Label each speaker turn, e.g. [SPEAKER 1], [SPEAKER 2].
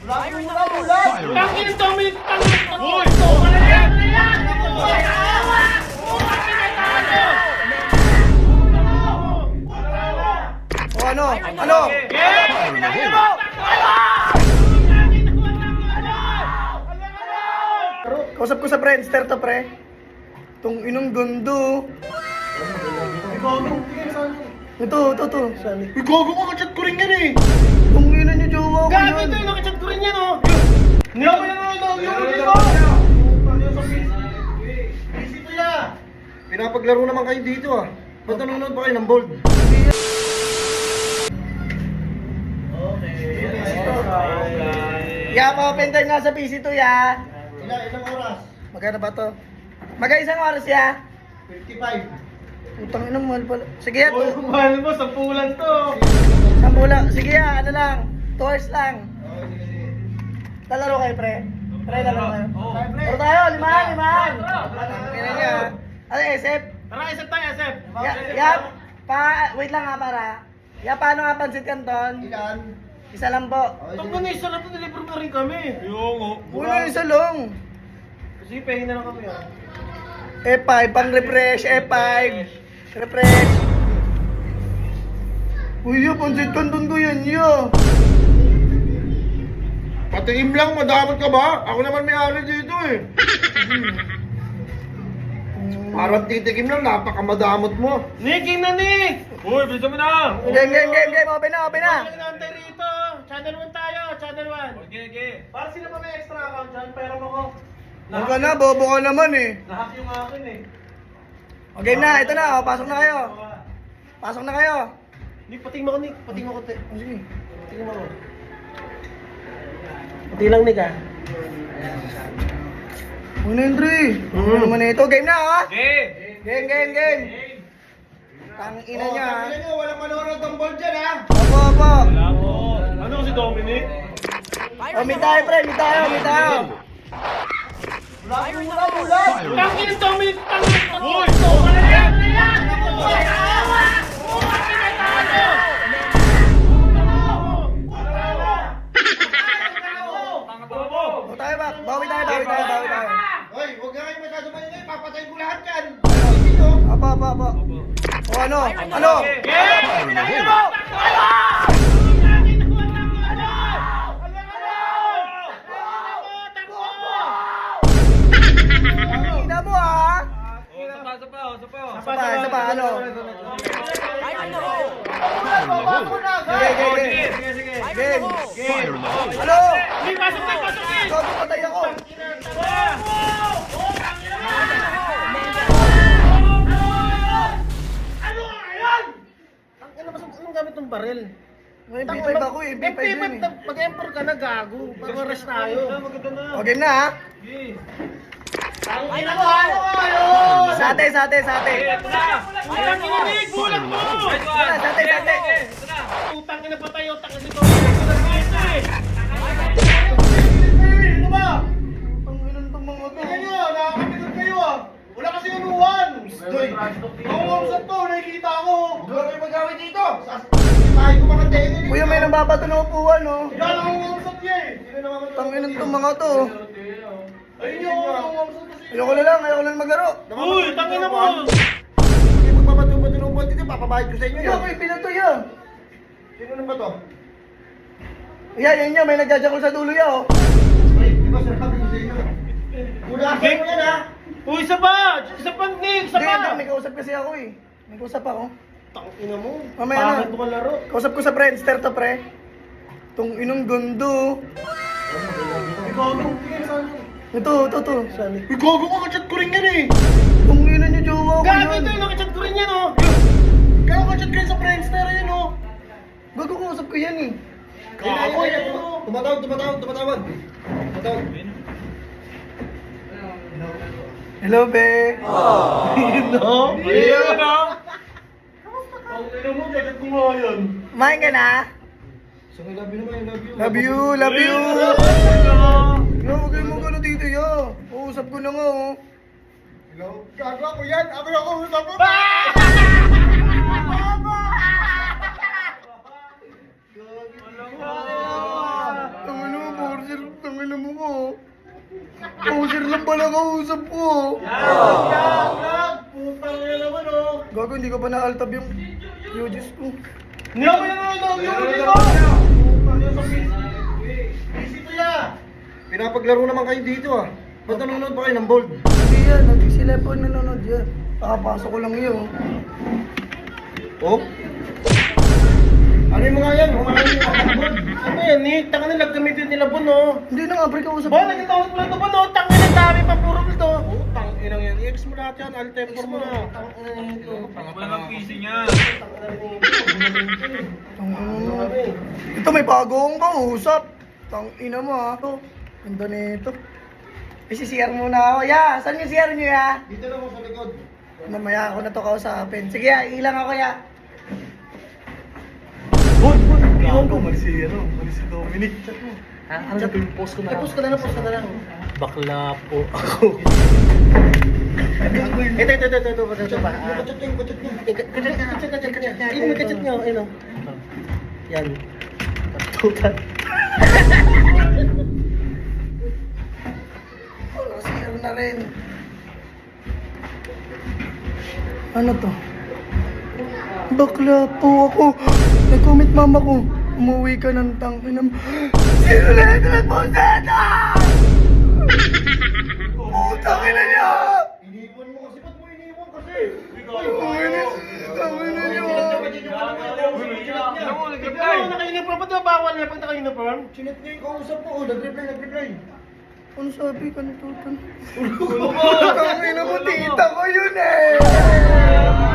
[SPEAKER 1] Tangin ang Dominic! Tangin! Uy! Wala yan!
[SPEAKER 2] O ano? Ano? Kausap ko sa Friendster to, pre. Itong inong gundo. Ito. Sali.
[SPEAKER 1] Gago ka, kachat ko rin yan eh!
[SPEAKER 2] Itong ina niyo, jowa ko
[SPEAKER 1] Gago
[SPEAKER 2] yan.
[SPEAKER 1] ito yung nakachat ko rin yan oh! Niyama yan oh! Busy na!
[SPEAKER 3] Pinapaglaro naman kayo dito ah. Ba't nanonood ba kayo ng bold?
[SPEAKER 2] Ya, pa-open time nga sa PC to, ya.
[SPEAKER 3] Ilang oras?
[SPEAKER 2] Magkano ba to? Isang oras, ya.
[SPEAKER 3] 55.
[SPEAKER 2] Utang ina, mahal pala. Sige, ya.
[SPEAKER 1] Mahal mo, 10 lang to!
[SPEAKER 2] Sambula. Sige, ya. Ano lang. 2 hours lang. Lalaro kayo, pre. Pre, lalaro kayo. Laro tayo, limahan. Ina niya. Ano, SF?
[SPEAKER 1] Tara, isip tayo, isip!
[SPEAKER 2] Wait lang nga para. Paano nga pansit canton?
[SPEAKER 3] Ilan?
[SPEAKER 2] Isa lang po.
[SPEAKER 1] Itong ganisa na ito, deliver na rin kami! Yung
[SPEAKER 2] Una isa lang.
[SPEAKER 1] Kasi pahing na lang kami ah.
[SPEAKER 2] F5, pang refresh, F5. Refresh. Uy, pansit canton ko yan, yo.
[SPEAKER 3] Patiim lang, madamot ka ba? Ako naman may-ari dito eh. Parang titikim lang, napakamadamot mo.
[SPEAKER 1] Nick, game na Nick! Uy, bilisan mo na!
[SPEAKER 2] Game. Open na.
[SPEAKER 1] Wala nang nantay rito! Channel 1 tayo, channel 1! Okay. Para sila pa may extra account dyan, pero ako.
[SPEAKER 2] Huwag ka na, bobo ka naman eh.
[SPEAKER 1] Nahack yung akin eh.
[SPEAKER 2] O, game na, ito na, pasok na kayo. Pasok na kayo.
[SPEAKER 1] Nick, pating mo ko Nick, pating mo ko te.
[SPEAKER 2] O, sige.
[SPEAKER 1] Pating mo ko. Pati lang Nick ah.
[SPEAKER 2] Ano yun, Dre? Ano naman ito? Game na, ha?
[SPEAKER 1] Okay!
[SPEAKER 2] Game. Tang ina niya, ha?
[SPEAKER 3] Sabi nyo, walang manonood ng bold dyan ha.
[SPEAKER 2] Opo.
[SPEAKER 1] Wala po. Ano si Dominic?
[SPEAKER 2] O, meet tayo, pre. Meet tayo.
[SPEAKER 1] Tangin ang Dominic! Tangin! Uy! Wala yan!
[SPEAKER 2] O, tayo ba? Bawi tayo.
[SPEAKER 3] Hoy, huwag na kayo masyado maingay, papatayin ko lahat yan.
[SPEAKER 2] Opo. O, ano? Ang ina mo, ha? Isa pa, ano? Game. Ano?
[SPEAKER 1] Hindi, pasok na!
[SPEAKER 2] Gogo, patay ako.
[SPEAKER 1] Ano ngayon? Anong gamit ng baril?
[SPEAKER 2] May B5 ako eh. B5 yun eh.
[SPEAKER 1] Mag-emperor ka na, gago. Pag-arrest tayo.
[SPEAKER 2] O, game na, ha?
[SPEAKER 1] Ang ina mo, ano kayo?
[SPEAKER 2] Sate.
[SPEAKER 1] Utang ina, Nick! Bulag mo!
[SPEAKER 2] Sate.
[SPEAKER 1] Utang ina pa tayo, utang ina dito.
[SPEAKER 3] Ano ba?
[SPEAKER 2] Ang ilan tong mga to?
[SPEAKER 3] Tingnan nyo, nakakapitod kayo ah. Wala kasi unuwan. Doy, nangungusap to, nakikita ko. Huwag kayo mag-away dito. Sasahin ko mga tenga nito.
[SPEAKER 2] Kuya, may nababato na upuan, no?
[SPEAKER 3] Ikaw nangungusap niya eh. Sino naman
[SPEAKER 2] Ang ilan tong mga to?
[SPEAKER 3] Ayun yung nangungusap kasi.
[SPEAKER 2] Ayoko na lang maglaro.
[SPEAKER 1] Uy, tangin na mo!
[SPEAKER 3] Hindi magbabato-bato ng buwan dito, papabayad ko sa inyo
[SPEAKER 2] Ayoko,
[SPEAKER 3] yan.
[SPEAKER 2] ako'y pinatoy, ha?
[SPEAKER 3] Sino naman ba to?
[SPEAKER 2] Yan, may nagjajakol sa dulo, ya, oh.
[SPEAKER 3] Ay, di ba sinabi ko sa inyo? Unasan mo yan ha.
[SPEAKER 1] Uy, isa pa! Isa pa, Nick! Isa
[SPEAKER 2] Hindi,
[SPEAKER 1] pa!
[SPEAKER 2] may kausap kasi ako, eh. May kausap ako.
[SPEAKER 1] Tangina mo.
[SPEAKER 2] Mamaya na.
[SPEAKER 1] Pangit mo ka laro.
[SPEAKER 2] Kausap ko sa Friendster to, pre. Itong inong gundo. Ito. Sali.
[SPEAKER 3] Gago ka, kachat ko rin yan eh.
[SPEAKER 2] Itong ina niyo, jowa ko
[SPEAKER 1] Gago ito
[SPEAKER 2] yan.
[SPEAKER 1] yung nakachat ko rin yan oh!
[SPEAKER 3] Kaya kachat kayo sa Friendster yun oh.
[SPEAKER 2] Bago kausap ko yan, eh.
[SPEAKER 3] Gago yan. Tumatawag.
[SPEAKER 2] Hello, be.
[SPEAKER 1] No? Ayun oh! Ang ina mo, kachat ko nga yan.
[SPEAKER 2] Kumain ka na?
[SPEAKER 3] So, I love you naman, I love you.
[SPEAKER 2] Love you. Yo, huwag kayong magano dito, yo. Uusap ko na nga, oh.
[SPEAKER 3] Hello? Gago ako yan. Ako yung kausap mo.
[SPEAKER 2] Ang ano, ina mo ko. Poser lang pala kausap ko.
[SPEAKER 1] Putang ina naman oh.
[SPEAKER 2] Gago, hindi ko pa na-altab yung UGs ko.
[SPEAKER 1] Hindi ako yung nanonood yung dito. Busy to ya.
[SPEAKER 3] Pinapaglaro naman kayo dito ah. Ba't nanonood pa kayo ng bold?
[SPEAKER 2] Hindi yan, sila po nanonood yan. Kakapasok ko lang yun.
[SPEAKER 3] Oh? Ano yung mga yan?
[SPEAKER 1] Ano yan eh? Tanga na nagkamitin nila Bon oh.
[SPEAKER 2] Hindi na nga, pre, kausap
[SPEAKER 1] Bon, nagkatawag mo lang ito Bon oh. Tanga na dami pa puro nito. Oh, tang inang yan. I-ex mo lahat yan. Alt-temper mo na. Tang ina nito.
[SPEAKER 4] Wala kang PC niya.
[SPEAKER 2] Ito may bago akong kausap. Tang ina mo ha. Ito, ganda nito. May CR muna ako. Ya, saan yung CR nyo ya?
[SPEAKER 3] Dito lang mo sa likod.
[SPEAKER 2] Mamaya ako na to kausapin. Sige ya, ilang ako ya.
[SPEAKER 1] Iwan ko.
[SPEAKER 3] Mali si Dominic.
[SPEAKER 1] Ano sa post ko na lang? Post ka na lang, post ka na lang. Bakla po ako. Ito ba?
[SPEAKER 3] Kutsot niya, kutsot niya.
[SPEAKER 1] Kachat. Ini may kachat niyo, ayun oh. Yan. Tutan.
[SPEAKER 2] Wala, CR na rin. Ano to? Bakla po ako. Nag-comment mama ko. Umuwi ka ng tangin ng... Sino na ito nagpunta? Putang ina niya!
[SPEAKER 3] Iniwan mo kasi. Ba't mo iniwan kasi?
[SPEAKER 2] Tangin na niya!
[SPEAKER 4] Alam mo, nag-reply.
[SPEAKER 1] Ano naka-uniform? Ba't bawal niya pag naka-uniform?
[SPEAKER 3] Chinat niya yung kausap mo. Nag-reply.
[SPEAKER 2] Ano sabi ka nitutan? Tangin na mo, tita ko yun eh!